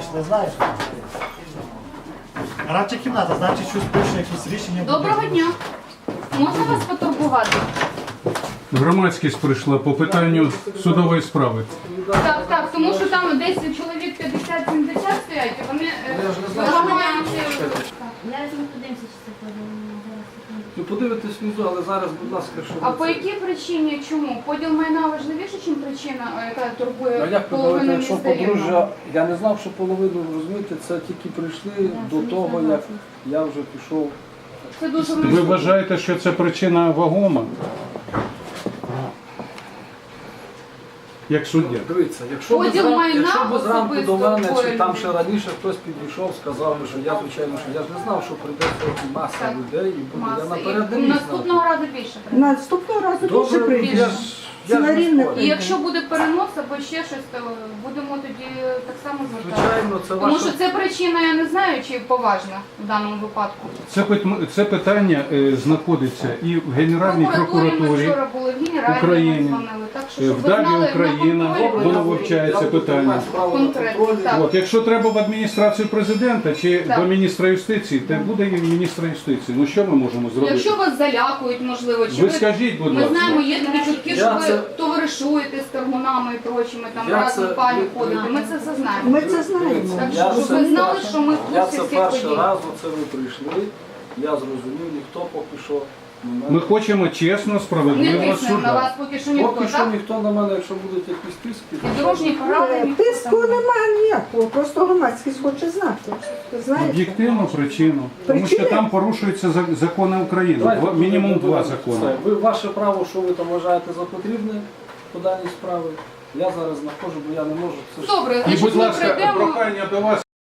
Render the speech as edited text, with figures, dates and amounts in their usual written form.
не знаєш? Радча кімната, значить, щось пише, якісь рішення. Доброго дня. Можна вас потурбувати? Громадськість прийшла по питанню судової справи. Так, тому що там десь чоловік 50-70 стоять, і вони вимагають... Зараз ми подивимося, чи це подивимо. Ви подивитесь внизу, але зараз, будь ласка, що А по якій причині? Чому? Поділ майна важливіше, ніж причина, яка А турбує як ви половину говорите, якщо міста Рівного? подружжя, я не знав, що половину, розумієте, це тільки прийшли до того, як я вже пішов. Це дуже Ви важливо. вважаєте, що це причина вагома? Як суддя? Дивіться, якщо Поділ майна ви зранку до особисто мене, чи двоє там людей. ще раніше хтось підійшов, сказав, що я, звичайно, що я ж не знав, що прийде сьогодні маса Так. людей, і буде, я Маса. наперед не І міг наступного знати. разу більше прийде. Наступного разу більше Добре, прийдеш. я ж на не рівне спорю. І якщо буде перенос або ще щось, то будемо тоді так само звертатися. Звичайно, це Тому ваше... що це причина, я не знаю, чи поважна в даному випадку. Це питання знаходиться і в Генеральній Ми прокуратурі вчора були в Генеральній, України, дзвонили. Так що, щоб в ви ДАБІ знали, Україна, на контролі воно ви- вивчається Я буду питання. тримати справу на Конкретно, контролі. так. От, якщо треба в адміністрацію президента чи Так. до міністра юстиції, то буде і міністра юстиції. Ну що ми можемо зробити? Якщо вас залякують, можливо, чи Ви скажіть, будь ми ласка. знаємо, є такі чутки, що Я ви це- товаришуєте з торгунами і прочими, там Я разом це- пані ходите. Ми це все знаємо. Ми це знаємо. Так Я що, щоб це- ви знали, що ми в Я курсі це всіх перший подій. раз, оце ви прийшли, я зрозумів, ніхто поки що на мене... Ми хочемо чесно, Не справедливо тиснемо на вас суда. поки що ніхто, Поки що так? ніхто на мене, якщо будуть якісь тиски, І дорожні поради ніхто Тиску там не- немає ніякого, просто громадськість хоче знати. Ти знаєш? Об'єктивну причину. Тому що там порушуються закони України. Мінімум два закони. Ви ваше право, що ви там вважаєте за потрібне по даній справі. Я зараз знаходжу, бо я не можу. Це ж Добре, І, значить будь ми ласка, прийдемо. прохання до вас.